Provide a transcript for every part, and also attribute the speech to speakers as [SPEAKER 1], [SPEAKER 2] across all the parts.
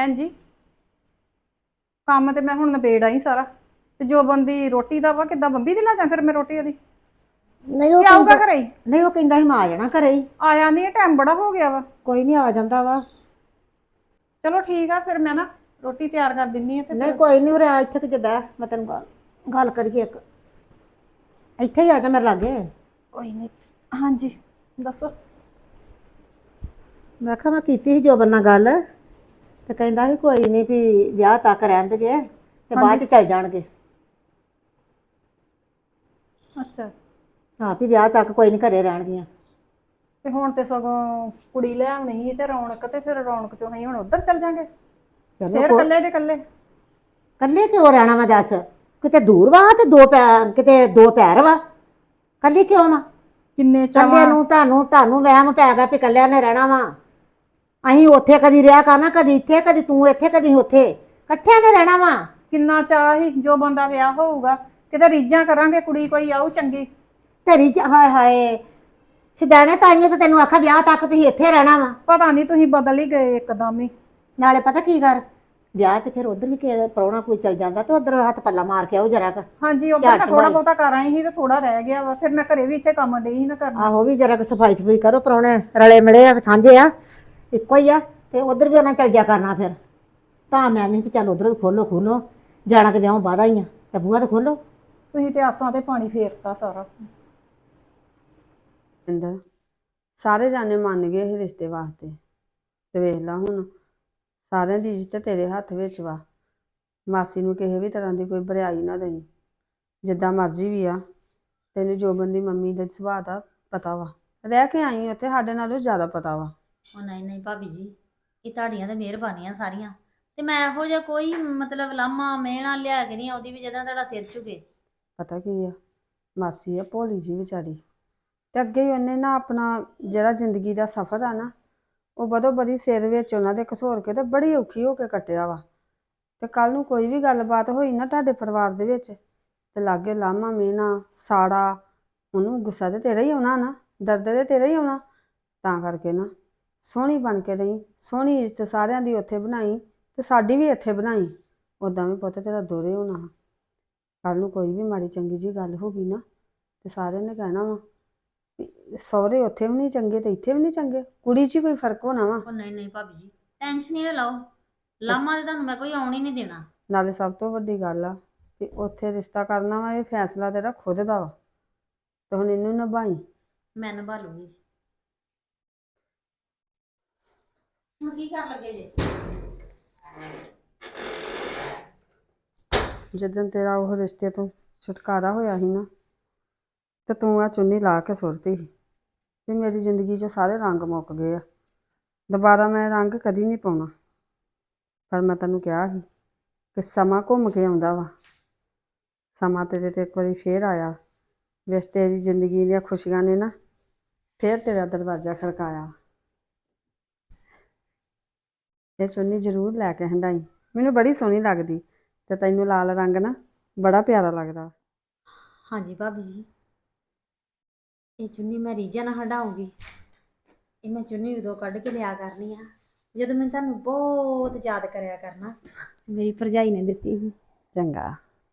[SPEAKER 1] ਭੈਣ ਜੀ ਕੰਮ ਤੇ ਮੈਂ ਹੁਣ ਨਿਬੇੜ ਆਈ ਸਾਰਾ। ਤੇ ਜੋ ਬੰਦੀ ਰੋਟੀ ਦਾ ਵਾ ਕਿੱਦਾਂ ਬੰਬੀ ਦੀ ਲਾ ਜਾਂ ਫਿਰ ਮੈਂ ਰੋਟੀ ਉਹਦੀ
[SPEAKER 2] ਨਹੀਂ ਉਹ
[SPEAKER 1] ਕੀ ਆਊਗਾ
[SPEAKER 2] ਕਹਿੰਦਾ
[SPEAKER 1] ਘਰੇ ਹੀ?
[SPEAKER 2] ਨਹੀਂ ਉਹ ਕਹਿੰਦਾ ਸੀ ਮੈਂ ਆ ਜਾਣਾ ਘਰੇ ਹੀ।
[SPEAKER 1] ਆਇਆ ਨਹੀਂ, ਟਾਈਮ ਬੜਾ ਹੋ ਗਿਆ ਵਾ।
[SPEAKER 2] ਕੋਈ ਨਹੀਂ ਆ ਜਾਂਦਾ ਵਾ।
[SPEAKER 1] ਚਲੋ ਠੀਕ ਆ, ਫਿਰ ਮੈਂ ਨਾ ਰੋਟੀ ਤਿਆਰ ਕਰ ਦਿੰਨੀ ਆ ਤੇ
[SPEAKER 2] ਨਹੀਂ
[SPEAKER 1] ਫਿਰ
[SPEAKER 2] ਕੋਈ ਨਹੀਂ ਉਰੇ ਆ ਇੱਥੇ ਕਿ ਬਹਿ ਮੈਂ ਤੈਨੂੰ ਗੱਲ ਕਰੀਏ ਇੱਕ। ਇੱਥੇ ਹੀ ਆ ਜਾ ਮੇਰੇ ਲਾਗੇ।
[SPEAKER 1] ਕੋਈ ਨਹੀਂ। ਹਾਂਜੀ ਦੱਸੋ।
[SPEAKER 2] ਮੈਂ ਕਿਹਾ ਮੈਂ ਕੀਤੀ ਸੀ ਜੋਬਨ ਨਾਲ ਗੱਲ ਤੇ ਕਹਿੰਦਾ ਸੀ ਕੋਈ ਨਹੀਂ ਵੀ ਵਿਆਹ ਤੱਕ ਰਹਿਣ ਦੇਗੇ ਤੇ ਬਾਅਦ ਚ ਚੱਲ ਜਾਣਗੇ।
[SPEAKER 1] ਅੱਛਾ।
[SPEAKER 2] ਹਾਂ ਵੀ ਵਿਆਹ ਤੱਕ ਕੋਈ ਨਹੀਂ ਘਰੇ ਰਹਿਣਗੀਆਂ।
[SPEAKER 1] ਤੇ ਹੁਣ ਤੇ ਸਗੋਂ ਕੁੜੀ ਲੈ ਆਉਣੀ ਸੀ ਤੇ ਰੌਣਕ, ਤੇ ਫਿਰ ਰੌਣਕ ਚੋਂ ਅਸੀਂ ਹੁਣ ਉੱਧਰ ਚੱਲ ਜਾਾਂਗੇ
[SPEAKER 2] ਚਲੋ
[SPEAKER 1] ਫਿਰ ਇਕੱਲੇ ਦੇ ਇਕੱਲੇ।
[SPEAKER 2] ਕੱਲੇ ਕਿਉਂ ਰਹਿਣਾ ਵਾ ਦੱਸ? ਕਿਤੇ ਦੂਰ ਵਾ ਤੇ ਕਿਤੇ ਦੋ ਪੈਰ ਵਾ। ਕੱਲੀ ਕਿਉਂ ਵਾ?
[SPEAKER 1] ਕਿੰਨੇ
[SPEAKER 2] ਕੱਲੇ
[SPEAKER 1] ਚਾਵਾਂ।
[SPEAKER 2] ਨੂੰ ਤੁਹਾਨੂੰ ਵਹਿਮ ਪੈ ਗਿਆ ਵੀ ਕੱਲਿਆਂ ਨੇ ਰਹਿਣਾ ਵਾ। ਅਸੀਂ ਉੱਥੇ ਕਦੀ ਰਿਹਾ ਕਰਨਾ, ਕਦੀ ਇੱਥੇ, ਕਦੀ ਤੂੰ ਇੱਥੇ, ਕਦੀ ਉੱਥੇ, ਇਕੱਠਿਆਂ ਨੇ ਰਹਿਣਾ ਵਾ।
[SPEAKER 1] ਕਿੰਨਾ ਚਾਹ ਸੀ ਜੋ ਬੰਦਾ ਵਿਆਹ ਹੋਊਗਾ, ਕਿਤੇ ਰੀਝਾਂ ਕਰਾਂਗੇ ਕੁੜੀ ਕੋਈ ਆਊ ਚੰਗੀ।
[SPEAKER 2] ਤੇਰੀ ਹਾਏ ਹਾਏ ਸਿਧਾਣੇ ਤਾਈਆਂ ਤਾਂ ਤੈਨੂੰ ਆਖਿਆ ਵਿਆਹ ਤੱਕ ਤੁਸੀਂ ਇੱਥੇ ਰਹਿਣਾ ਵਾ।
[SPEAKER 1] ਪਤਾ ਨਹੀਂ ਤੁਸੀਂ ਬਦਲ ਹੀ ਗਏ ਇੱਕਦਮ ਹੀ।
[SPEAKER 2] ਨਾਲੇ ਪਤਾ ਕੀ ਕਰ, ਵਿਆਹ ਤੇ ਫਿਰ ਉਧਰ ਵੀ ਪ੍ਰਾਹੁਣਾ ਕੋਈ ਚਲ ਜਾਂਦਾ ਤੇ ਉਧਰ ਹੱਥ ਪੱਲਾ ਮਾਰ ਕੇ ਆਉ ਜਰਾ ਕ।
[SPEAKER 1] ਹਾਂਜੀ ਉਧਰ ਮੈਂ ਥੋੜਾ ਬਹੁਤਾ ਕਰ ਆਈ ਸੀ ਤੇ ਥੋੜਾ ਰਹਿ ਗਿਆ ਵਾ, ਫਿਰ ਮੈਂ ਘਰੇ ਵੀ ਇੱਥੇ ਕੰਮ ਡਈ ਸੀ ਨਾ ਕਰਨਾ।
[SPEAKER 2] ਆਹੋ ਵੀ ਜਰਾ ਕ ਸਫਾਈ ਸਫੂਈ ਕਰੋ, ਪ੍ਰਾਹੁਣੇ ਰਲੇ ਮਿਲੇ ਆ ਸਾਂਝੇ ਆ ਇੱਕੋ ਹੀ ਆ ਤੇ ਉਧਰ ਵੀ ਉਹਨਾਂ ਚੱਲ ਜਾ ਕਰਨਾ। ਫਿਰ ਤਾਂ ਮੈਂ ਨਹੀਂ ਵੀ ਚੱਲ ਉਧਰ ਵੀ ਖੋਲੋ ਜਾਣਾ ਤੇ ਵਿਆਹ ਬਾਅਦ ਹੀ ਆ ਤੇ ਬੂਹਾ ਤੇ ਖੋਲੋ।
[SPEAKER 1] ਤੁਸੀਂ ਤੇ ਆਸਾਂ ਤੇ ਪਾਣੀ ਫੇਰਤਾ ਸਾਰਾ।
[SPEAKER 3] ਇੰਦਰ ਸਾਰੇ ਜਾਣੇ ਮੰਨ ਗਏ ਇਹ ਰਿਸ਼ਤੇ ਵਾਸਤੇ ਤੇ ਵੇਖ ਲਾ ਹੁਣ ਸਾਰਿਆਂ ਦੀ ਇੱਜ਼ਤ ਤੇਰੇ ਹੱਥ ਵਿੱਚ ਵਾ। ਮਾਸੀ ਨੂੰ ਕਿਸੇ ਵੀ ਤਰ੍ਹਾਂ ਦੀ ਕੋਈ ਬਰਿਆਈ ਨਾ ਦੇਈ, ਜਿੱਦਾਂ ਮਰਜ਼ੀ ਵੀ ਆ। ਤੈਨੂੰ ਜੋਬਨ ਦੀ ਮੰਮੀ ਦੇ ਸੁਭਾਅ ਦਾ ਪਤਾ ਵਾ, ਰਹਿ ਕੇ ਆਈ ਉੱਥੇ, ਸਾਡੇ ਨਾਲੋਂ ਜ਼ਿਆਦਾ ਪਤਾ ਵਾ।
[SPEAKER 4] ਉਹ ਨਹੀਂ ਨਹੀਂ ਭਾਬੀ ਜੀ, ਇਹ ਤੁਹਾਡੀਆਂ ਤਾਂ ਮਿਹਰਬਾਨੀਆਂ ਸਾਰੀਆਂ। ਤੇ ਮੈਂ ਇਹੋ ਜਿਹਾ ਕੋਈ ਮਤਲਬ ਲਾਮਾ ਮਿਹਣਾ ਲਿਆ ਕੇ ਨਹੀਂ ਆਉਂਦੀ ਵੀ ਜਿਹਦਾ ਤੁਹਾਡਾ ਸਿਰ ਝੁਕੇ।
[SPEAKER 3] ਪਤਾ ਕੀ ਆ, ਮਾਸੀ ਆ ਭੋਲੀ ਜੀ ਵਿਚਾਰੀ, ਤੇ ਅੱਗੇ ਹੀ ਉਹਨੇ ਨਾ ਆਪਣਾ ਜਿਹੜਾ ਜ਼ਿੰਦਗੀ ਦਾ ਸਫ਼ਰ ਆ ਨਾ, ਉਹ ਬਦੋ ਬਦੀ ਸਿਰ ਵਿੱਚ ਉਹਨਾਂ ਦੇ ਘਸੋਰ ਕੇ ਤੇ ਬੜੀ ਔਖੀ ਹੋ ਕੇ ਕੱਟਿਆ ਵਾ। ਤੇ ਕੱਲ ਨੂੰ ਕੋਈ ਵੀ ਗੱਲਬਾਤ ਹੋਈ ਨਾ ਤੁਹਾਡੇ ਪਰਿਵਾਰ ਦੇ ਵਿੱਚ ਤੇ ਲਾਗੇ ਲਾਮਾ ਮਿਹਣਾ ਸਾੜਾ, ਉਹਨੂੰ ਗੁੱਸਾ ਤੇ ਤੇਰਾ ਹੀ ਆਉਣਾ ਨਾ, ਦਰਦ ਤੇ ਤੇਰਾ ਹੀ ਆਉਣਾ। ਤਾਂ ਕਰਕੇ ਨਾ ਸੋਹਣੀ ਬਣ ਕੇ ਰਹੀ, ਸੋਹਣੀ ਇੱਜ਼ਤ ਸਾਰਿਆਂ ਦੀ ਉੱਥੇ ਬਣਾਈ ਤੇ ਸਾਡੀ ਵੀ ਇੱਥੇ ਬਣਾਈ। ਉੱਦਾਂ ਵੀ ਪੁੱਤ ਤੇਰਾ ਦੋਹਰੇ ਹੋਣਾ। ਕੱਲ ਨੂੰ ਕੋਈ ਵੀ ਮਾੜੀ ਚੰਗੀ ਜੀ ਗੱਲ ਹੋ ਗਈ ਨਾ ਤੇ ਸਾਰਿਆਂ ਨੇ ਕਹਿਣਾ ਵਾ ਵੀ ਸਹੁਰੇ ਉੱਥੇ ਵੀ ਨਹੀਂ ਚੰਗੇ ਤੇ ਇੱਥੇ ਵੀ ਨਹੀਂ ਚੰਗੇ, ਕੁੜੀ 'ਚ ਹੀ ਕੋਈ ਫਰਕ ਹੋਣਾ ਵਾ।
[SPEAKER 4] ਉਹ ਨਹੀਂ ਨਹੀਂ ਭਾਬੀ ਜੀ, ਟੈਨਸ਼ਨ ਹੀ ਨਾ ਲਓ, ਲਾਮਾ ਤੇ ਤੁਹਾਨੂੰ ਮੈਂ ਕੋਈ ਆਉਣ ਹੀ ਨਹੀਂ ਦੇਣਾ।
[SPEAKER 3] ਨਾਲੇ ਸਭ ਤੋਂ ਵੱਡੀ ਗੱਲ ਆ ਵੀ ਉੱਥੇ ਰਿਸ਼ਤਾ ਕਰਨਾ ਵਾ, ਇਹ ਫੈਸਲਾ ਤੇਰਾ ਖੁਦ ਦਾ ਵਾ ਤੇ ਹੁਣ ਇਹਨੂੰ ਨਿਭਾਈ।
[SPEAKER 4] ਮੈਂ ਨਿਭਾ ਲੂੰਗੀ। ਹੁਣ ਕੀ ਕਰਨ ਲੱਗੇ ਜੇ?
[SPEAKER 3] ਜਿੱਦਣ ਤੇਰਾ ਉਹ ਰਿਸ਼ਤੇ ਤੋਂ ਛੁਟਕਾਰਾ ਹੋਇਆ ਸੀ ਨਾ ਤੇ ਤੂੰ ਆ ਚੁੰਨੀ ਲਾ ਕੇ ਸੁੱਟਦੀ ਸੀ ਵੀ ਮੇਰੀ ਜ਼ਿੰਦਗੀ 'ਚ ਸਾਰੇ ਰੰਗ ਮੁੱਕ ਗਏ ਆ, ਦੁਬਾਰਾ ਮੈਂ ਰੰਗ ਕਦੀ ਨਹੀਂ ਪਾਉਣਾ। ਪਰ ਮੈਂ ਤੈਨੂੰ ਕਿਹਾ ਸੀ ਕਿ ਸਮਾਂ ਘੁੰਮ ਕੇ ਆਉਂਦਾ ਵਾ, ਸਮਾਂ ਤੇਰੇ ਤੇ ਇੱਕ ਵਾਰੀ ਫੇਰ ਆਇਆ, ਵਿਸ ਤੇਰੀ ਜ਼ਿੰਦਗੀ ਦੀਆਂ ਖੁਸ਼ੀਆਂ ਨੇ ਨਾ ਫੇਰ ਤੇਰਾ ਦਰਵਾਜ਼ਾ ਖੜਕਾਇਆ। ਇਹ ਚੁੰਨੀ ਜ਼ਰੂਰ ਲੈ ਕੇ ਹੰਡਾਈ, ਮੈਨੂੰ ਬੜੀ ਸੋਹਣੀ ਲੱਗਦੀ ਤੇ ਤੈਨੂੰ ਲਾਲ ਰੰਗ ਨਾ ਬੜਾ ਪਿਆਰਾ ਲੱਗਦਾ।
[SPEAKER 4] ਹਾਂਜੀ ਭਾਬੀ ਜੀ, ਇਹ ਚੁੰਨੀ ਮੈਂ ਰੀਝਾਂ ਨਾਲ ਹੰਡਾਉਂਗੀ। ਇਹ ਮੈਂ ਚੁੰਨੀ ਉਦੋਂ ਕੱਢ ਕੇ ਲਿਆ ਕਰਨੀ ਆ ਜਦੋਂ ਮੈਂ ਤੁਹਾਨੂੰ ਬਹੁਤ ਯਾਦ ਕਰਿਆ ਕਰਨਾ। ਮੇਰੀ ਭਰਜਾਈ ਨੇ ਦਿੱਤੀ ਸੀ।
[SPEAKER 3] ਚੰਗਾ।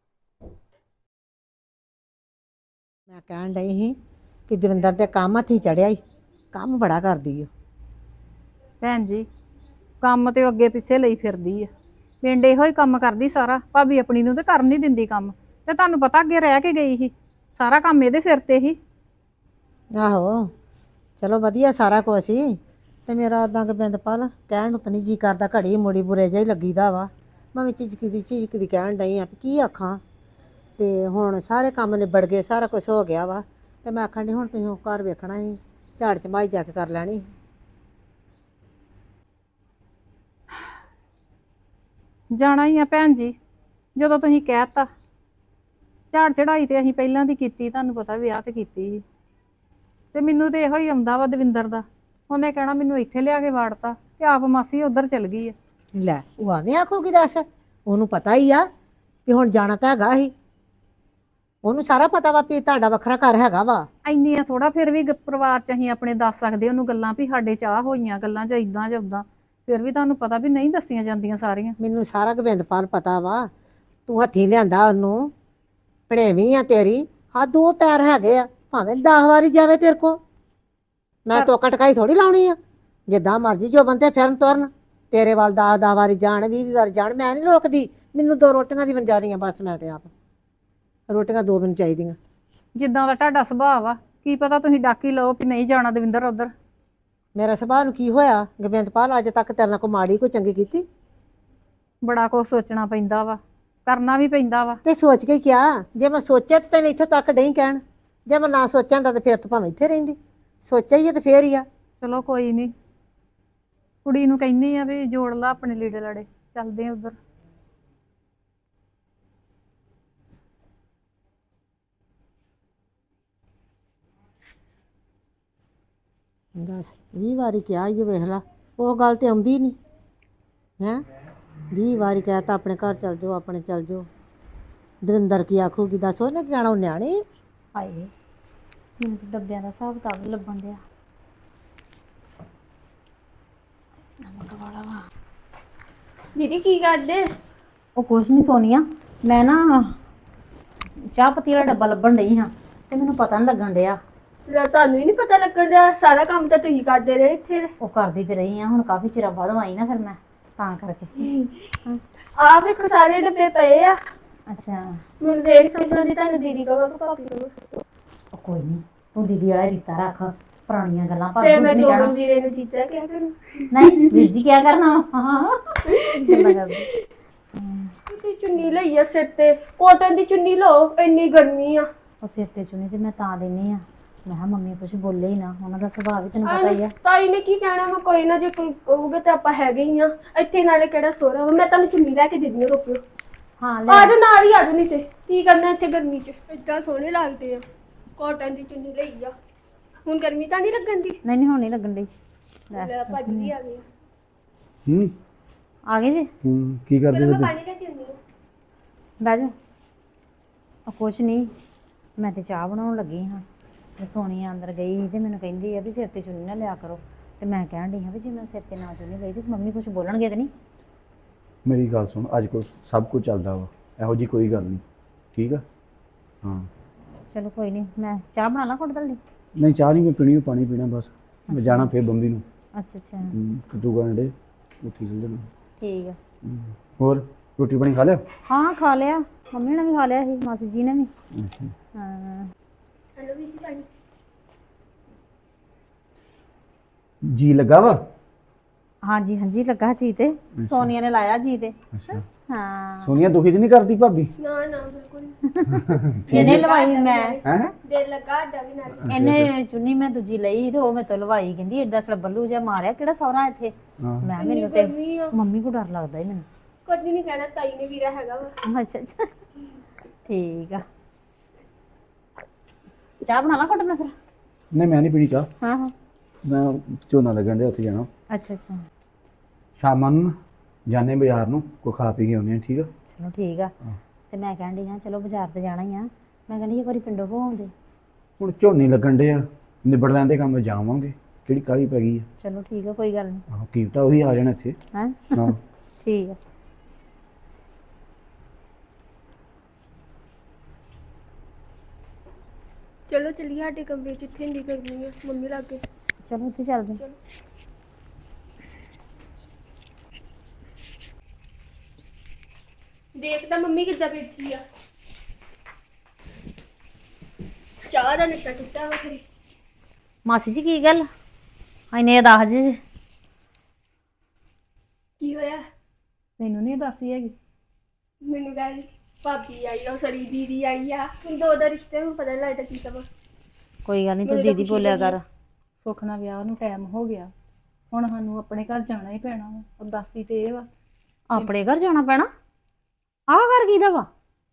[SPEAKER 2] ਮੈਂ ਕਹਿਣ ਡਈ ਸੀ ਕਿ ਦਵਿੰਦਰ ਤੇ ਕੰਮ ਹੱਥੀ ਚੜਿਆ ਹੀ, ਕੰਮ ਬੜਾ ਕਰਦੀ ਓ।
[SPEAKER 1] ਭੈਣ ਜੀ ਕੰਮ ਤੇ ਉਹ ਅੱਗੇ ਪਿੱਛੇ ਲਈ ਫਿਰਦੀ ਆ, ਪਿੰਡ ਇਹੋ ਹੀ ਕੰਮ ਕਰਦੀ ਸਾਰਾ। ਭਾਬੀ ਆਪਣੀ ਨੂੰ ਤੇ ਕਰਨ ਨਹੀਂ ਦਿੰਦੀ ਕੰਮ, ਤੇ ਤੁਹਾਨੂੰ ਪਤਾ ਅੱਗੇ ਰਹਿ ਕੇ ਗਈ ਸੀ, ਸਾਰਾ ਕੰਮ ਇਹਦੇ ਸਿਰ ਤੇ ਹੀ।
[SPEAKER 2] ਆਹੋ ਚਲੋ ਵਧੀਆ ਸਾਰਾ ਕੁਛ ਸੀ ਤੇ ਮੇਰਾ ਉਦਾਂ ਕਿ ਬਿੰਦਪਾਲ ਕਹਿਣ ਨੂੰ ਤਾਂ ਨਹੀਂ ਜੀ ਕਰਦਾ, ਘੜੀ ਮੁੜੀ ਬੁਰੇ ਜਿਹਾ ਹੀ ਲੱਗੀਦਾ ਵਾ। ਮੈਂ ਵੀ ਝਿਜਕਦੀ ਕਹਿਣ ਡਈ ਆ ਵੀ ਕੀ ਆਖਾਂ। ਤੇ ਹੁਣ ਸਾਰੇ ਕੰਮ ਨਿਬੜ ਗਏ, ਸਾਰਾ ਕੁਝ ਹੋ ਗਿਆ ਵਾ ਤੇ ਮੈਂ ਆਖਣ ਡਈ ਹੁਣ ਤੁਸੀਂ ਘਰ ਵੇਖਣਾ ਸੀ, ਝਾੜ ਝਮਾਈ ਜਾ ਕੇ ਕਰ ਲੈਣੀ।
[SPEAKER 1] ਜਾਣਾ ਹੀ ਆ ਭੈਣ ਜੀ, ਜਦੋਂ ਤੁਸੀਂ ਕਹਿਤਾ। ਝਾੜ ਚੜਾਈ ਤੇ ਅਸੀਂ ਪਹਿਲਾਂ ਦੀ ਕੀਤੀ, ਤੁਹਾਨੂੰ ਪਤਾ ਵਿਆਹ ਤੇ ਕੀਤੀ ਸੀ। ਤੇ ਮੈਨੂੰ ਤੇ ਇਹੋ ਹੀ ਆਉਂਦਾ ਵਾ ਦਵਿੰਦਰ ਦਾ, ਉਹਨੇ ਕਹਿਣਾ ਮੈਨੂੰ ਇੱਥੇ ਲਿਆ ਕੇ ਵਾੜਤਾ ਤੇ ਆਪ ਮਾਸੀ ਉੱਧਰ ਚਲ ਗਈ ਆ।
[SPEAKER 2] ਲੈ ਉਹ ਆਵੇਂ ਆਖੂਗੀ ਦੱਸ, ਉਹਨੂੰ ਪਤਾ ਹੀ ਆ ਵੀ ਹੁਣ ਜਾਣਾ ਤਾਂ ਹੈਗਾ ਹੀ, ਉਹਨੂੰ ਸਾਰਾ ਪਤਾ ਵਾ ਵੀ ਤੁਹਾਡਾ ਵੱਖਰਾ ਘਰ ਹੈਗਾ ਵਾ।
[SPEAKER 1] ਇੰਨੀਆਂ ਥੋੜਾ ਫਿਰ ਵੀ ਪਰਿਵਾਰ ਚ ਅਸੀਂ ਆਪਣੇ ਦੱਸ ਸਕਦੇ ਉਹਨੂੰ ਗੱਲਾਂ ਵੀ ਸਾਡੇ ਚਾਹ ਹੋਈਆਂ ਗੱਲਾਂ ਚ ਇਦਾਂ ਜਾਂ ਉਦਾਂ। ਫਿਰ ਵੀ ਤੁਹਾਨੂੰ ਪਤਾ ਵੀ ਨਹੀਂ ਦੱਸੀਆਂ ਜਾਂਦੀਆਂ ਸਾਰੀਆਂ।
[SPEAKER 2] ਮੈਨੂੰ ਸਾਰਾ ਗੋਬਿੰਦਪਾਲ ਪਤਾ ਵਾ, ਤੂੰ ਹੱਥੀਂ ਲਿਆਂਦਾ ਉਹਨੂੰ, ਭਣੇਵੀਂ ਆ ਤੇਰੀ, ਹਾਂ 2 ਪੈਰ ਹੈਗੇ ਆ, ਭਾਵੇਂ 10 ਵਾਰੀ ਜਾਵੇ ਤੇਰੇ ਕੋ, ਮੈਂ ਟੋਕਾ ਟਕਾਈ ਥੋੜੀ ਲਾਉਣੀ ਆ। ਜਿੱਦਾਂ ਮਰਜ਼ੀ ਜੋ ਬੰਦੇ ਫਿਰਨ ਤੁਰਨ, ਤੇਰੇ ਵੱਲ 10 ਵਾਰੀ ਜਾਣ, 20 ਵਾਰੀ ਜਾਣ, ਮੈਂ ਨਹੀਂ ਰੋਕਦੀ। ਮੈਨੂੰ 2 ਰੋਟੀਆਂ ਦੀ ਵੰਜਾਰੀਆਂ ਬਸ, ਮੈਂ ਤੇ ਆਪ ਰੋਟੀਆਂ 2 ਮੈਨੂੰ ਚਾਹੀਦੀਆਂ।
[SPEAKER 1] ਜਿੱਦਾਂ ਦਾ ਤੁਹਾਡਾ ਸੁਭਾਅ ਵਾ, ਕੀ ਪਤਾ ਤੁਸੀਂ ਡਾਕੀ ਲਓ ਕਿ ਨਹੀਂ ਜਾਣਾ ਦਵਿੰਦਰ ਉਧਰ।
[SPEAKER 2] ਮੇਰਾ ਸੁਭਾਅ ਨੂੰ ਕੀ ਹੋਇਆ ਗੋਬਿੰਦਪਾਲ, ਅੱਜ ਤੱਕ ਤੇਰੇ ਨਾਲ ਕੋਈ ਮਾੜੀ ਕੋਈ ਚੰਗੀ ਕੀਤੀ?
[SPEAKER 1] ਬੜਾ ਕੁਝ ਸੋਚਣਾ ਪੈਂਦਾ ਵਾ, ਕਰਨਾ ਵੀ ਪੈਂਦਾ ਵਾ।
[SPEAKER 2] ਤੇ ਸੋਚ ਕੇ ਕਿਆ, ਜੇ ਮੈਂ ਸੋਚਿਆ ਤੇ ਤੈਨੂੰ ਇੱਥੇ ਤੱਕ ਨਹੀਂ ਕਹਿਣ, ਜੇ ਮੈਂ ਨਾ ਸੋਚਿਆ ਹੁੰਦਾ ਤੇ ਫਿਰ ਤੂੰ ਭਾਵੇਂ ਇੱਥੇ ਰਹਿੰਦੀ। ਸੋਚਿਆ ਹੀ ਹੈ ਤੇ ਫੇਰ ਹੀ ਆ।
[SPEAKER 1] ਚਲੋ ਕੋਈ ਨਹੀਂ, ਕੁੜੀ ਨੂੰ ਕਹਿੰਦੀ ਆ ਵੀ ਜੋੜ ਲਾ ਆਪਣੇ ਲੀੜੇ ਲੜੇ, ਚੱਲਦੇ ਆ ਉਧਰ।
[SPEAKER 2] ਦੱਸ 20 ਵਾਰੀ ਕਿਹਾ ਇਹ ਵੇਖ ਲਾ, ਉਹ ਗੱਲ ਤੇ ਆਉਂਦੀ ਨਹੀਂ ਹੈ। 20 ਵਾਰੀ ਕਹਿਤਾ ਆਪਣੇ ਘਰ ਚੱਲ ਜਾਓ, ਆਪਣੇ ਚੱਲ ਜਾਓ। ਦਵਿੰਦਰ ਕੀ ਆਖੂਗੀ ਦੱਸ, ਉਹਨੇ ਕੀ ਜਾਣਾ, ਉਹ ਨਿਆਣੀ।
[SPEAKER 4] ਹਾਏ ਮੈਨੂੰ ਤਾਂ ਡੱਬਿਆਂ ਦਾ ਹਿਸਾਬ ਕਿਤਾਬ ਨੀ ਲੱਭਣ ਡਿਆ। ਨਮਕ ਵਾਲਾ ਵਾ।
[SPEAKER 5] ਦੀਦੀ ਕੀ ਕਰਦੇ?
[SPEAKER 4] ਉਹ ਕੁਛ ਨਹੀਂ ਸੋਨੀਆ, ਮੈਂ ਨਾ ਚਾਹ ਪੱਤੀ ਵਾਲਾ ਡੱਬਾ ਲੱਭਣ ਡਈ ਹਾਂ ਤੇ ਮੈਨੂੰ ਪਤਾ ਨਹੀਂ ਲੱਗਣ ਡਿਆ।
[SPEAKER 5] ਲੈ ਤੁਹਾਨੂੰ ਹੀ ਨਹੀਂ ਪਤਾ ਲੱਗਣ ਦਾ, ਸਾਰਾ ਕੰਮ ਤਾਂ ਤੁਸੀਂ ਕਰਦੇ ਰਹੇ ਇੱਥੇ।
[SPEAKER 4] ਉਹ ਕਰਦੀ ਤੇ ਰਹੀ ਆ, ਹੁਣ ਕਾਫੀ ਚਿਰ ਬਾਅਦ ਆਈ ਨਾ, ਫਿਰ ਮੈਂ ਤਾਂ ਕਰਕੇ।
[SPEAKER 5] ਆ ਵੇਖੋ ਸਾਰੇ ਡੱਬੇ ਪਏ ਆ।
[SPEAKER 4] ਅੱਛਾ
[SPEAKER 5] ਮੈਨੂੰ ਦੇਖ ਸਮਝਾਉਂਦੀ ਤੁਹਾਨੂੰ ਦੀਦੀ ਕਹੋ ਕਿ ਭਾਬੀ ਕਹੋ।
[SPEAKER 4] ਉਹ ਕੋਈ ਨਹੀਂ, ਤੂੰ ਦੀਦੀ ਵਾਲਾ ਰਿਸ਼ਤਾ ਰੱਖ, ਪੁਰਾਣੀਆਂ ਗੱਲਾਂ ਭਾਬੀ
[SPEAKER 5] ਤੇ
[SPEAKER 4] ਨੂੰ
[SPEAKER 5] ਮੈਂ
[SPEAKER 4] ਨਹੀਂ
[SPEAKER 5] ਦੋ
[SPEAKER 4] ਕਹਿਣਾ।
[SPEAKER 5] ਮੰਦੀਰੇ ਨੂੰ ਜੀਤਾ ਕਿਹਾ ਕਰੂੰ।
[SPEAKER 4] ਨਹੀਂ ਵੀਰ ਜੀ ਕਿਆ ਕਰਨਾ ਵਾ? ਗੱਲਾਂ ਕਰਦੀ।
[SPEAKER 5] ਤੁਸੀਂ ਚੁੰਨੀ ਲਈ ਆ ਸਿਰ ਤੇ, ਕੋਟਨ ਦੀ ਚੁੰਨੀ ਲਓ, ਇੰਨੀ ਗਰਮੀ ਆ।
[SPEAKER 4] ਉਹ ਸਿਰ ਤੇ ਚੁੰਨੀ ਤੇ ਮੈਂ ਤਾਂ ਦਿੰਨੀ ਆ, ਮੈਂ ਕਿਹਾ ਮੰਮੀ ਕੁਝ ਬੋਲੇ ਹੀ ਨਾ, ਉਹਨਾਂ ਦਾ ਸੁਭਾਅ ਵੀ ਤੈਨੂੰ ਪਤਾ ਹੀ ਆ।
[SPEAKER 5] ਤਾਈ ਨੇ ਕੀ ਕਹਿਣਾ, ਮੈਂ ਕੋਈ ਨਾ, ਜੇ ਕੋਈ ਕਹੂਗਾ ਤਾਂ ਆਪਾਂ ਹੈਗੇ ਹੀ ਆ ਇੱਥੇ। ਨਾਲੇ ਕਿਹੜਾ ਸੋਹਰਾ ਵਾ, ਮੈਂ ਤੁਹਾਨੂੰ ਚੁੰਨੀ ਲੈ ਕੇ ਦੇ ਦਿੰਦੀ ਆ, ਰੁਕਿਓ।
[SPEAKER 4] ਹਾਂ
[SPEAKER 5] ਆ
[SPEAKER 4] ਲੈ
[SPEAKER 5] ਜਾਓ ਨਾਲ ਹੀ, ਆ ਜਾਓ, ਨਹੀਂ ਤੇ ਕੀ ਕਰਨਾ ਇੱਥੇ ਗਰਮੀ 'ਚ, ਏਦਾਂ ਸੋਹਣੇ ਲੱਗਦੇ ਆ। ਕੋਟਨ ਦੀ ਚੁੰਨੀ ਲਈ ਆ, ਹੁਣ ਗਰਮੀ ਤਾਂ ਨਹੀਂ ਲੱਗਣ ਦੀ।
[SPEAKER 4] ਨਹੀਂ ਹੁਣ ਨਹੀਂ ਲੱਗਣ ਡਈ।
[SPEAKER 5] ਲੈ ਭਾਜੀ ਵੀ ਆ ਗਏ ਆ।
[SPEAKER 4] ਆ ਗਏ ਜੀ,
[SPEAKER 6] ਕੀ ਕਰਦੇ
[SPEAKER 5] ਚਲੋ ਮੈਂ
[SPEAKER 6] ਹੋ?
[SPEAKER 5] ਪਾਣੀ ਲੈ ਕੇ ਆਉਂਦੀ ਹਾਂ।
[SPEAKER 4] ਬਹਿ ਜਾ। ਉਹ ਕੁਛ ਨਹੀਂ, ਮੈਂ ਤੇ ਚਾਹ ਬਣਾਉਣ ਲੱਗੀ ਹਾਂ ਤੇ ਸੋਨੀਆ ਅੰਦਰ ਗਈ ਸੀ ਤੇ ਮੈਨੂੰ ਕਹਿੰਦੀ ਆ ਵੀ ਸਿਰ ਤੇ ਚੁੰਨੀ ਨਾ ਲਿਆ ਕਰੋ, ਤੇ ਮੈਂ ਕਹਿਣ ਡਈ ਹਾਂ ਵੀ ਜੇ ਮੈਂ ਸਿਰ ਤੇ ਨਾ ਚੁੰਨੀ ਲਈ ਤੇ ਮੰਮੀ ਕੁਝ ਬੋਲਣਗੇ ਤੇ ਨਹੀਂ?
[SPEAKER 6] ਮੇਰੀ ਗੱਲ ਸੁਣ, ਅੱਜ ਕੋਲ ਸਭ ਕੁਝ ਚੱਲਦਾ ਵਾ, ਇਹੋ ਜੀ ਕੋਈ ਗੱਲ ਨਹੀਂ, ਠੀਕ ਆ? ਹਾਂ
[SPEAKER 4] ਚਲੋ ਕੋਈ ਨਹੀਂ, ਮੈਂ ਚਾਹ ਬਣਾ ਲਾਂ ਘੁੱਟ ਦਲਦੀ।
[SPEAKER 6] ਨਹੀਂ ਚਾਹ ਨਹੀਂ ਮੈਂ ਪੀਣੀ, ਉਹ ਪਾਣੀ ਪੀਣਾ ਬਸ। ਮੈਂ ਜਾਣਾ ਫੇਰ ਬੰਬੀ ਨੂੰ।
[SPEAKER 4] ਅੱਛਾ ਅੱਛਾ
[SPEAKER 6] ਕੱਦੂ ਗਾਂਡੇ ਉੱਥੇ ਚੱਲ ਜਾਣਾ।
[SPEAKER 4] ਠੀਕ ਆ।
[SPEAKER 6] ਹੋਰ ਰੋਟੀ ਪਾਣੀ ਖਾ ਲਿਆ?
[SPEAKER 4] ਹਾਂ ਖਾ ਲਿਆ, ਮੰਮੀ ਨੇ ਵੀ ਖਾ ਲਿਆ ਸੀ, ਮਾਸੀ ਜੀ ਨੇ ਵੀ।
[SPEAKER 6] ਅੱਛਾ।
[SPEAKER 4] ਹਾਂ
[SPEAKER 5] ਹੈਲੋ ਵੀਰ ਜੀ ਪਾਣੀ।
[SPEAKER 6] ਜੀ ਲੱਗਾ ਵਾ?
[SPEAKER 4] ਹਾਂਜੀ ਹਾਂਜੀ ਲੱਗਾ ਜੀ, ਤੇ ਸੋਨੀਆ ਨੇ ਲਾਇਆ ਜੀ ਤੇ।
[SPEAKER 6] ਅੱਛਾ।
[SPEAKER 4] ਹਾਂ
[SPEAKER 6] ਸੋਨੀਆ ਦੁਖੀ ਤੇ ਨਹੀਂ ਕਰਦੀ ਭਾਬੀ?
[SPEAKER 5] ਨਾ ਨਾ ਬਿਲਕੁਲ ਨਹੀਂ।
[SPEAKER 4] ਇਹਨੇ ਲਵਾਈ ਮੈਂ,
[SPEAKER 6] ਹੈ
[SPEAKER 5] ਦਿਲ ਲੱਗਾ ਅੱਡਾ ਵੀ ਨਾਲ।
[SPEAKER 4] ਇਹਨੇ ਚੁੰਨੀ ਮੈਂ ਦੂਜੀ ਲਈ ਤੇ ਉਹ ਮੈਂ ਤੋਂ ਲਵਾਈ, ਕਹਿੰਦੀ ਏਡਾ ਸੜਾ ਬੱਲੂ ਜਿਹਾ ਮਾਰਿਆ, ਕਿਹੜਾ ਸਹੁਰਾ ਇੱਥੇ।
[SPEAKER 6] ਹਾਂ।
[SPEAKER 4] ਮੈਂ
[SPEAKER 5] ਇੰਨੀ
[SPEAKER 4] ਮੈਨੂੰ ਤੇ
[SPEAKER 5] ਗਰਮੀ ਆ,
[SPEAKER 4] ਮੰਮੀ ਕੋ ਡਰ ਲੱਗਦਾ ਹੀ ਮੈਨੂੰ।
[SPEAKER 5] ਕੁਝ ਨਹੀਂ ਕਹਿਣਾ, ਤਾਈ ਨੇ ਵੀਰਾ ਹੈਗਾ ਵਾ।
[SPEAKER 4] ਅੱਛਾ ਅੱਛਾ ਠੀਕ ਆ। ਚਾਹ ਬਣਾ ਲਾ ਘੁੱਟ ਮੈਂ ਫਿਰ।
[SPEAKER 6] ਨਹੀਂ ਮੈਂ ਨਹੀਂ ਪੀਣੀ ਚਾਹ,
[SPEAKER 4] ਹਾਂ ਹਾਂ
[SPEAKER 6] ਮੈਂ ਝੋਨਾ ਲੱਗਣ ਦੇ ਉੱਥੇ ਜਾਣਾ।
[SPEAKER 4] ਅੱਛਾ ਅੱਛਾ
[SPEAKER 6] ਸ਼ਾਮਾਂ ਨੂੰ ਜਾਣੇ ਬਾਜ਼ਾਰ ਨੂੰ, ਕੋਈ ਖਾ ਪੀ ਕੇ ਆਉਂਦੇ ਆ, ਠੀਕ ਆ?
[SPEAKER 4] ਚਲੋ ਠੀਕ ਆ।
[SPEAKER 6] ਹਾਂ।
[SPEAKER 4] ਤੇ ਮੈਂ ਕਹਿਣ ਡਈ ਹਾਂ ਚਲੋ ਬਾਜ਼ਾਰ ਤੇ ਜਾਣਾ ਹੀ ਆ, ਮੈਂ ਕਹਿੰਦੀ ਇੱਕ ਵਾਰੀ ਪਿੰਡੋਂ ਹੋ ਆਉਂਦੇ।
[SPEAKER 6] ਹੁਣ ਝੋਨੇ ਲੱਗਣ ਦੇ ਆ, ਨਿਬੜ ਲੈਂਦੇ ਕੰਮ, ਜਾਵਾਂਗੇ, ਕਿਹੜੀ ਕਾਹਲੀ ਪੈ ਗਈ ਆ?
[SPEAKER 4] ਚਲੋ ਠੀਕ ਆ, ਕੋਈ ਗੱਲ ਨਹੀਂ।
[SPEAKER 6] ਆਹੋ ਕੀਮਤਾ ਉਹੀ ਆ ਜਾਣਾ ਇੱਥੇ।
[SPEAKER 4] ਹੈਂ
[SPEAKER 6] ਹਾਂ
[SPEAKER 4] ਠੀਕ ਆ।
[SPEAKER 5] ਚਲੋ ਚੱਲੀਏ ਸਾਡੇ ਕਮਰੇ 'ਚ, ਇੱਥੇ ਇੰਨੀ ਗਰਮੀ ਆ, ਮੰਮੀ ਲਾਗੇ।
[SPEAKER 4] ਚਲੋ ਉੱਥੇ ਚੱਲਦੇ।
[SPEAKER 5] ਦੇਖ ਤਾਂ ਮੰਮੀ ਕਿੱਦਾਂ ਬੈਠੀ ਆ, ਚਾਹ ਦਾ ਨਸ਼ਾ ਟੁੱਟਾ ਵਾ ਖਰੇ।
[SPEAKER 4] ਮਾਸੀ ਜੀ ਕੀ ਗੱਲ ਇਹਨੇ ਦੱਸ ਜੀ?
[SPEAKER 5] ਕੀ ਹੋਇਆ?
[SPEAKER 1] ਮੈਨੂੰ ਨਹੀਂ ਦੱਸੀ ਹੈਗੀ।
[SPEAKER 5] ਮੈਨੂੰ ਕਹਿੰਦੀ ਭਾਬੀ ਆਈ ਆ, ਉਹ ਸਰੀ ਦੀਦੀ ਆਈ ਆ, ਹੁਣ ਦੋ ਦਾ ਰਿਸ਼ਤੇ ਨੂੰ ਪਤਾ ਨੀ ਲੱਗਦਾ ਕੀ ਕਵਾਂ।
[SPEAKER 4] ਕੋਈ ਗੱਲ ਨਹੀਂ, ਤੂੰ
[SPEAKER 5] ਮੈਨੂੰ ਤਾਂ
[SPEAKER 4] ਦੀਦੀ
[SPEAKER 5] ਖੁਸ਼ੀ
[SPEAKER 4] ਬੋਲਿਆ
[SPEAKER 5] ਬੜੀ
[SPEAKER 4] ਕਰ।
[SPEAKER 1] ਸੁੱਖ ਨਾਲ ਵਿਆਹ ਨੂੰ ਟਾਈਮ ਹੋ ਗਿਆ, ਹੁਣ ਸਾਨੂੰ ਆਪਣੇ ਘਰ ਜਾਣਾ ਹੀ ਪੈਣਾ ਵਾ। ਉਦਾਸੀ ਤੇ ਇਹ ਵਾ,
[SPEAKER 4] ਆਪਣੇ ਘਰ ਜਾਣਾ ਪੈਣਾ? ਆਹ ਘਰ ਕਿਹਦਾ ਵਾ?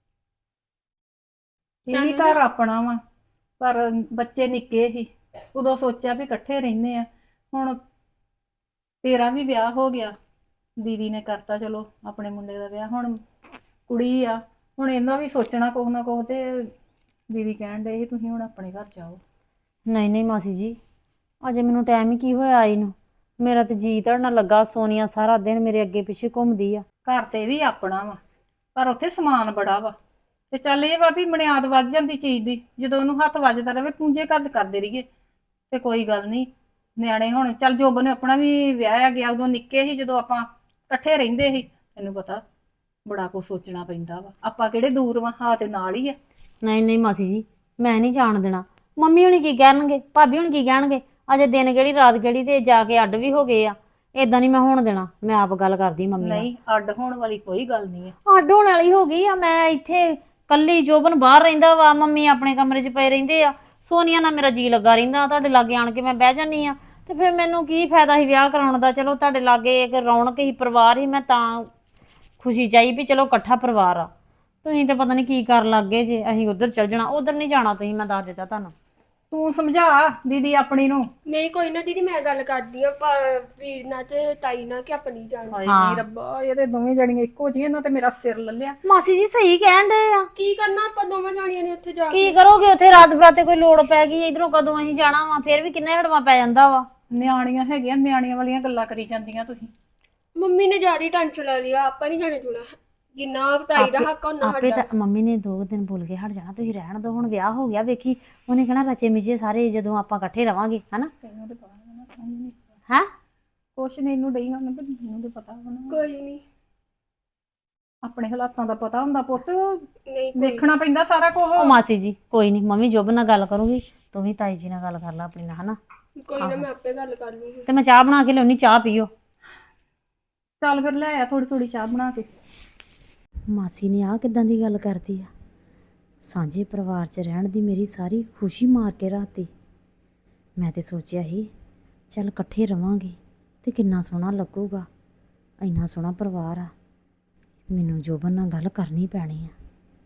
[SPEAKER 1] ਇਹ ਵੀ ਘਰ ਆਪਣਾ ਵਾ, ਪਰ ਬੱਚੇ ਨਿੱਕੇ ਸੀ, ਉਦੋਂ ਸੋਚਿਆ ਵੀ ਇਕੱਠੇ ਰਹਿੰਦੇ ਆ। ਹੁਣ ਤੇਰਾ ਵੀ ਵਿਆਹ ਹੋ ਗਿਆ, ਦੀਦੀ ਨੇ ਕਰਤਾ ਚਲੋ ਆਪਣੇ ਮੁੰਡੇ ਦਾ ਵਿਆਹ, ਹੁਣ ਕੁੜੀ ਆ, ਹੁਣ ਇਹਨਾਂ ਵੀ ਸੋਚਣਾ ਕੁਛ ਨਾ ਕੁਛ। ਤੇ ਦੀਦੀ ਕਹਿਣ ਡਏ ਸੀ ਤੁਸੀਂ ਹੁਣ ਆਪਣੇ ਘਰ ਜਾਓ।
[SPEAKER 4] ਨਹੀਂ ਨਹੀਂ ਮਾਸੀ ਜੀ, ਅਜੇ ਮੈਨੂੰ ਟਾਈਮ ਹੀ ਕੀ ਹੋਇਆ ਆਈ ਨੂੰ। ਮੇਰਾ ਤੇ ਜੀ ਧੜਨਾ ਲੱਗਾ। ਸੋਨੀਆ ਸਾਰਾ ਦਿਨ ਮੇਰੇ ਅੱਗੇ ਪਿੱਛੇ ਘੁੰਮਦੀ ਆ।
[SPEAKER 1] ਘਰ ਤੇ ਵੀ ਆਪਣਾ ਵਾ, ਪਰ ਉੱਥੇ ਸਮਾਨ ਬੜਾ ਵਾ। ਤੇ ਚੱਲ ਇਹ ਵਾ ਵੀ ਮਨਿਆਦ ਵੱਧ ਜਾਂਦੀ ਚੀਜ਼ ਦੀ, ਜਦੋਂ ਉਹਨੂੰ ਹੱਥ ਵੱਜਦਾ ਰਵੇ ਪੂੰਝੇ ਘਰ ਕਰਦੇ ਰਹੀਏ ਤੇ ਕੋਈ ਗੱਲ ਨਹੀਂ। ਨਿਆਣੇ ਹੁਣ ਚੱਲ ਜੋਬਨ ਨੇ ਆਪਣਾ ਵੀ ਵਿਆਹਿਆ ਗਿਆ, ਉਦੋਂ ਨਿੱਕੇ ਸੀ ਜਦੋਂ ਆਪਾਂ ਇਕੱਠੇ ਰਹਿੰਦੇ ਸੀ। ਤੈਨੂੰ ਪਤਾ ਬੜਾ ਕੁਝ ਸੋਚਣਾ ਪੈਂਦਾ ਵਾ, ਆਪਾਂ ਕਿਹੜੇ ਦੂਰ ਵਾ, ਹਾਂ ਤੇ ਨਾਲ ਹੀ ਆ।
[SPEAKER 4] ਨਹੀਂ ਨਹੀਂ ਮਾਸੀ ਜੀ, ਮੈਂ ਨਹੀਂ ਜਾਣ ਦੇਣਾ। ਮੰਮੀ ਹੁਣੀ ਕੀ ਕਹਿਣਗੇ, ਭਾਬੀ ਹੁਣੀ ਕੀ ਕਹਿਣਗੇ? ਅਜੇ ਦਿਨ ਕਿਹੜੀ ਰਾਤ ਕਿਹੜੀ ਤੇ ਜਾ ਕੇ ਅੱਡ ਵੀ ਹੋ ਗਏ ਆ। ਏਦਾਂ ਨਹੀਂ ਮੈਂ ਹੋਣ ਦੇਣਾ। ਮੈਂ ਆਪ ਗੱਲ ਕਰਦੀ ਮੰਮੀ ਨਾਲ।
[SPEAKER 1] ਨਹੀਂ, ਅੱਡ ਹੋਣ ਵਾਲੀ ਕੋਈ ਗੱਲ ਨਹੀਂ ਆ।
[SPEAKER 4] ਅੱਡ ਹੋਣ ਵਾਲੀ ਹੋ ਗਈ ਆ। ਮੈਂ ਇੱਥੇ ਕੱਲੀ, ਜੋਬਨ ਬਾਹਰ ਰਹਿੰਦਾ ਵਾ, ਮੰਮੀ ਆਪਣੇ ਕਮਰੇ 'ਚ ਪਏ ਰਹਿੰਦੇ ਆ। ਸੋਨੀਆ ਨਾਲ ਮੇਰਾ ਜੀ ਲੱਗਾ ਰਹਿੰਦਾ। ਤੁਹਾਡੇ ਲਾਗੇ ਆਣ ਕੇ ਮੈਂ ਬਹਿ ਜਾਂਦੀ ਆ ਤੇ ਫਿਰ ਮੈਨੂੰ ਕੀ ਫਾਇਦਾ ਸੀ ਵਿਆਹ ਕਰਾਉਣ ਦਾ? ਚਲੋ ਤੁਹਾਡੇ ਲਾਗੇ ਇੱਕ ਰੌਣਕ ਹੀ, ਪਰਿਵਾਰ ਹੀ, ਮੈਂ ਤਾਂ ਖੁਸ਼ੀ ਚਾਹੀ ਵੀ ਚਲੋ ਇਕੱਠਾ ਪਰਿਵਾਰ ਆ। ਤੁਸੀਂ ਤਾਂ ਪਤਾ ਨਹੀਂ ਕੀ ਕਰਨ ਲੱਗ ਗਏ ਜੇ। ਅਸੀਂ ਉੱਧਰ ਚੱਲ ਜਾਣਾ, ਉੱਧਰ ਨਹੀਂ ਜਾਣਾ ਤੁਸੀਂ, ਮੈਂ ਦੱਸ ਦਿੱਤਾ ਤੁਹਾਨੂੰ।
[SPEAKER 1] ਤੂੰ ਸਮਝਾ ਦੀਦੀ ਆਪਣੀ ਨੂੰ।
[SPEAKER 5] ਨਹੀਂ ਕੋਈ ਨਾ ਦੀਦੀ, ਮੈਂ ਗੱਲ ਕਰਦੀ ਆ ਵੀਰ ਨਾਲ ਤੇ ਤਾਈ ਨਾਲ ਕਿ ਆਪਣੀ ਜਾਣ।
[SPEAKER 1] ਹਾਏ
[SPEAKER 4] ਹਾਂ।
[SPEAKER 1] ਨੀ ਰੱਬਾ, ਇਹਦੇ ਦੋਵੇਂ ਜਣੀਆਂ ਇੱਕੋ ਜਿਹੀਆਂ, ਇਹਨਾਂ ਤੇ ਮੇਰਾ ਸਿਰ ਲੱਲਿਆ।
[SPEAKER 4] ਮਾਸੀ ਜੀ ਸਹੀ ਕਹਿਣ ਡਏ ਆ।
[SPEAKER 5] ਕੀ ਕਰਨਾ ਆਪਾਂ ਦੋਵਾਂ ਜਾਣੀਆਂ ਨੇ ਉੱਥੇ ਜਾ ਕੇ?
[SPEAKER 4] ਕੀ ਕਰੋਗੇ ਉੱਥੇ? ਰਾਤ ਬਰਾਤੇ ਕੋਈ ਲੋੜ ਪੈ ਗਈ, ਇਧਰੋਂ ਕਦੋਂ ਅਸੀਂ ਜਾਣਾ ਵਾ? ਫਿਰ ਵੀ ਕਿੰਨੇ ਹੜਵਾ ਪੈ ਜਾਂਦਾ ਵਾ।
[SPEAKER 1] ਨਿਆਣੀਆਂ ਹੈਗੀਆਂ, ਨਿਆਣੀਆਂ ਵਾਲੀਆਂ ਗੱਲਾਂ ਕਰੀ ਜਾਂਦੀਆਂ ਤੁਸੀਂ।
[SPEAKER 5] ਮੰਮੀ ਨੇ ਜ਼ਿਆਦਾ ਟੈਨਸ਼ਨ ਲੈ ਲਿਆ, ਆਪਾਂ ਨਹੀਂ ਜਾਣੇ ਜੁਣਾ। ਜਿੰਨਾ ਤਾਈ ਦਾ ਹੱਕ ਉਹਨਾਂ
[SPEAKER 4] ਆਪੇ
[SPEAKER 5] ਸਾਡਾ।
[SPEAKER 4] ਤਾਂ ਮੰਮੀ ਨੇ 2 ਦਿਨ ਬੋਲ ਕੇ ਹਟ ਜਾਣਾ, ਤੁਸੀਂ ਰਹਿਣ ਦਿਓ। ਹੁਣ ਵਿਆਹ ਹੋ ਗਿਆ, ਵੇਖੀ ਉਹਨੇ ਕਹਿਣਾ ਰਚੇ ਮਿਚੇ ਸਾਰੇ ਜਦੋਂ ਆਪਾਂ ਇਕੱਠੇ ਰਵਾਂਗੇ, ਹਨਾ?
[SPEAKER 1] ਤੈਨੂੰ ਤੇ ਪਤਾ ਵਾ ਨਾ, ਤੈਨੂੰ ਨੀ।
[SPEAKER 4] ਹੈ
[SPEAKER 1] ਕੁਛ ਨਹੀਂ, ਇਹਨੂੰ ਡਈ ਹੁਣ, ਮੈਨੂੰ ਤੇ ਪਤਾ ਵਾ ਨਾ।
[SPEAKER 5] ਕੋਈ ਨਹੀਂ।
[SPEAKER 1] ਆਪਣੇ ਹਾਲਾਤਾਂ ਦਾ ਪਤਾ ਹੁੰਦਾ ਪੁੱਤ,
[SPEAKER 5] ਨਹੀਂ ਕੋਈ
[SPEAKER 1] ਵੇਖਣਾ ਪੈਂਦਾ ਸਾਰਾ ਕੁਝ।
[SPEAKER 4] ਉਹ ਮਾਸੀ ਜੀ ਕੋਈ ਨਹੀਂ, ਮੰਮੀ ਜੋਬ ਨਾਲ ਗੱਲ ਕਰੂਗੀ, ਤੂੰ ਵੀ ਤਾਈ ਜੀ ਨਾਲ ਗੱਲ ਕਰ ਲੈ ਆਪਣੀ ਨਾਲ, ਹਨਾ?
[SPEAKER 5] ਕੋਈ ਨਾ, ਮੈਂ ਆਪੇ ਗੱਲ ਕਰ ਲੂੰਗੀ।
[SPEAKER 4] ਤੇ ਮੈਂ ਚਾਹ ਬਣਾ ਕੇ ਲਿਆਉਣੀ, ਚਾਹ ਪੀਓ।
[SPEAKER 1] ਚੱਲ ਫਿਰ ਲੈ ਆ ਥੋੜੀ ਥੋੜੀ ਚਾਹ ਬਣਾ ਕੇ।
[SPEAKER 4] ਮਾਸੀ ਨੇ ਆਹ ਕਿੱਦਾਂ ਦੀ ਗੱਲ ਕਰਦੀ ਆ? ਸਾਂਝੇ ਪਰਿਵਾਰ 'ਚ ਰਹਿਣ ਦੀ ਮੇਰੀ ਸਾਰੀ ਖੁਸ਼ੀ ਮਾਰ ਕੇ ਰਾਤੀ। ਮੈਂ ਤੇ ਸੋਚਿਆ ਸੀ ਚੱਲ ਇਕੱਠੇ ਰਵਾਂਗੇ ਤੇ ਕਿੰਨਾ ਸੋਹਣਾ ਲੱਗੂਗਾ, ਇੰਨਾ ਸੋਹਣਾ ਪਰਿਵਾਰ ਆ। ਮੈਨੂੰ ਜੋਬਨ ਨਾਲ ਗੱਲ ਕਰਨੀ ਪੈਣੀ ਆ।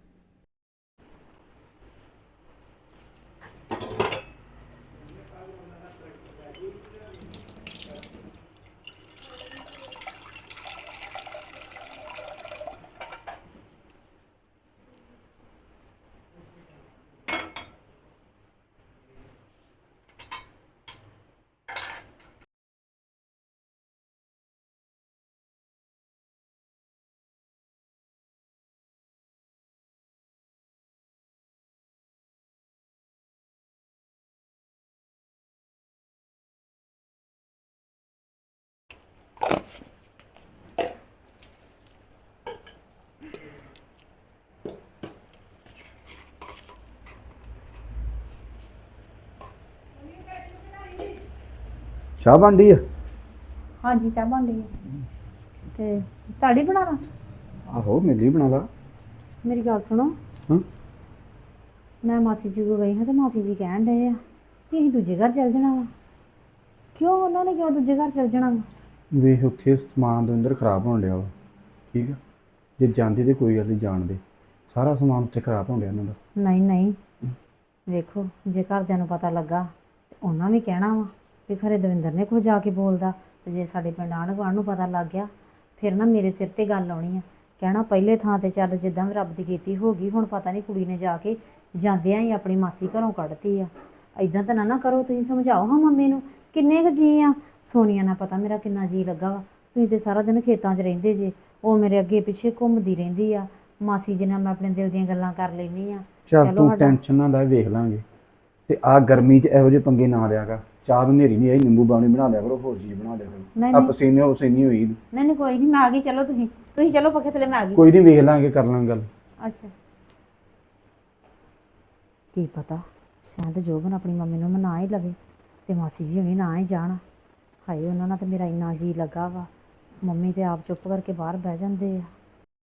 [SPEAKER 6] ਚਾਹ ਬਣਦੀ ਆ?
[SPEAKER 1] ਹਾਂਜੀ ਚਾਹ ਬਣ ਰਹੀ ਹੈ। ਤੇ ਤੁਹਾਡੀ ਬਣਾਵਾ?
[SPEAKER 6] ਆਹੋ, ਮੇਰੀ ਬਣਾ ਲਾ।
[SPEAKER 4] ਮੇਰੀ ਗੱਲ ਸੁਣੋ।
[SPEAKER 6] ਹਾਂ।
[SPEAKER 4] ਮੈਂ ਮਾਸੀ ਜੀ ਕੋਲ ਗਈ ਹਾਂ ਤੇ ਮਾਸੀ ਜੀ ਕਹਿਣ ਡਏ ਆ ਕਿ ਅਸੀਂ ਦੂਜੇ ਘਰ ਚੱਲ ਜਾਣਾ ਵਾ। ਕਿਉਂ? ਉਹਨਾਂ ਨੇ ਕਿਉਂ ਦੂਜੇ ਘਰ ਚੱਲ ਜਾਣਾ ਵਾ?
[SPEAKER 6] ਵੇਖ ਉੱਥੇ ਸਮਾਨ ਦੇ ਅੰਦਰ ਖਰਾਬ ਹੋਣ ਡਿਆ ਵਾ, ਠੀਕ ਆ? ਜੇ ਜਾਂਦੀ ਤੇ ਕੋਈ ਗੱਲ ਨਹੀਂ, ਜਾਣ ਦੇ। ਸਾਰਾ ਸਮਾਨ ਉੱਥੇ ਖਰਾਬ ਹੋਣ ਡਿਆ ਇਹਨਾਂ ਦਾ।
[SPEAKER 4] ਨਹੀਂ ਨਹੀਂ, ਵੇਖੋ ਜੇ ਘਰਦਿਆਂ ਨੂੰ ਪਤਾ ਲੱਗਾ ਤੇ ਉਹਨਾਂ ਵੀ ਕਹਿਣਾ ਵਾ ਵੀ ਖਰੇ ਦਵਿੰਦਰ ਨੇ ਕੁਝ ਜਾ ਕੇ ਬੋਲਦਾ। ਤੇ ਜੇ ਸਾਡੇ ਪਿੰਡ ਆਂਢ ਗੁਆਂਢ ਨੂੰ ਪਤਾ ਲੱਗ ਗਿਆ ਫਿਰ ਨਾ ਮੇਰੇ ਸਿਰ ਤੇ ਗੱਲ ਆਉਣੀ ਆ। ਕਹਿਣਾ ਪਹਿਲੇ ਥਾਂ ਤੇ ਚੱਲ ਜਿੱਦਾਂ ਵੀ ਰੱਬ ਦੀ ਕੀਤੀ ਹੋ ਗਈ, ਹੁਣ ਪਤਾ ਨਹੀਂ ਕੁੜੀ ਨੇ ਜਾ ਕੇ ਜਾਂਦਿਆਂ ਹੀ ਆਪਣੀ ਮਾਸੀ ਘਰੋਂ ਕੱਢਤੀ ਆ। ਇਦਾਂ ਤਾਂ ਨਾ ਕਰੋ, ਤੁਸੀਂ ਸਮਝਾਓ ਹਾਂ ਮੰਮੀ ਨੂੰ। ਕਿੰਨੇ ਕੁ ਜੀ ਆ? ਸੋਨੀਆ ਨਾਲ ਪਤਾ ਮੇਰਾ ਕਿੰਨਾ ਜੀ ਲੱਗਾ ਵਾ। ਤੁਸੀਂ ਤੇ ਸਾਰਾ ਦਿਨ ਖੇਤਾਂ 'ਚ ਰਹਿੰਦੇ ਜੇ, ਉਹ ਮੇਰੇ ਅੱਗੇ ਪਿੱਛੇ ਘੁੰਮਦੀ ਰਹਿੰਦੀ ਆ। ਮਾਸੀ ਜੀ ਨਾਲ ਮੈਂ ਆਪਣੇ ਦਿਲ ਦੀਆਂ ਗੱਲਾਂ ਕਰ ਲੈਂਦੀ ਆ।
[SPEAKER 6] ਚੱਲ ਤੂੰ ਟੈਨਸ਼ਨ ਨਾ ਲੈ, ਵੇਖ ਲਾਂਗੇ। ਤੇ ਆ ਗਰਮੀ 'ਚ ਇਹੋ ਜਿਹੇ ਪੰਗੇ ਨਾ ਲਿਆ ਕਰ। ਚਾਹ ਨੂੰ ਹਨੇਰੀ ਨਹੀਂ ਆਈ, ਨਿੰਬੂ ਪਾਣੀ ਬਣਾ ਲਿਆ ਕਰੋ, ਹੋਰ ਚੀਜ਼ ਬਣਾ ਲਿਆ ਕਰੋ।
[SPEAKER 4] ਨਹੀਂ
[SPEAKER 6] ਆ ਪਸੀਨੇ ਹੋਈ।
[SPEAKER 4] ਨਹੀਂ ਕੋਈ ਨਹੀਂ, ਮੈਂ ਆ ਗਈ। ਚਲੋ ਤੁਸੀਂ ਚਲੋ ਪੱਖੇ ਥੱਲੇ, ਮੈਂ ਆ ਗਈ।
[SPEAKER 6] ਕੋਈ ਨਹੀਂ, ਵੇਖ ਲਾਂਗੇ, ਕਰ ਲਾਂਗੇ ਗੱਲ।
[SPEAKER 4] ਅੱਛਾ, ਕੀ ਪਤਾ ਸ਼ਾਇਦ ਜੋਬਨ ਆਪਣੀ ਮੰਮੀ ਨੂੰ ਮਨਾ ਹੀ ਲਵੇ ਤੇ ਮਾਸੀ ਜੀ ਹੁਣੀ ਨਾ ਹੀ ਜਾਣ। ਹਾਏ, ਉਹਨਾਂ ਨਾਲ ਤਾਂ ਮੇਰਾ ਇੰਨਾ ਜੀ ਲੱਗਾ ਵਾ। ਮੰਮੀ ਤੇ ਆਪ ਚੁੱਪ ਕਰਕੇ ਬਾਹਰ ਬਹਿ ਜਾਂਦੇ ਆ।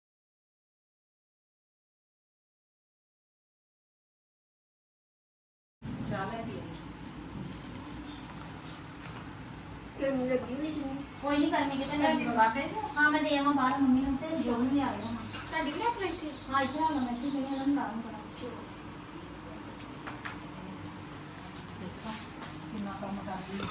[SPEAKER 5] ਗਰਮੀ ਲੱਗੀ ਹੋਈ ਸੀ।
[SPEAKER 4] ਕੋਈ ਨਹੀਂ ਕਰਨੀ ਕਿਤੇ ਲੈ ਕੇ ਹਾਂ, ਮੈਂ ਦੇ ਆਵਾਂ ਬਾਹਰ ਮੰਮੀ ਨੂੰ ਤੇ ਜੋਬਨ ਨੂੰ ਲਿਆ ਦੇਵਾਂ।
[SPEAKER 5] ਤੁਹਾਡੀ ਵੀ ਆਪਣੇ ਇੱਥੇ?
[SPEAKER 4] ਹਾਂ, ਇੱਥੇ ਆ ਮੈਂ ਇੱਥੇ ਮੇਰੇ ਨਾਲ ਲਾਉਂ ਕਰਾਂ।
[SPEAKER 1] ਕਿੰਨਾ ਕੰਮ ਕਰਦੀ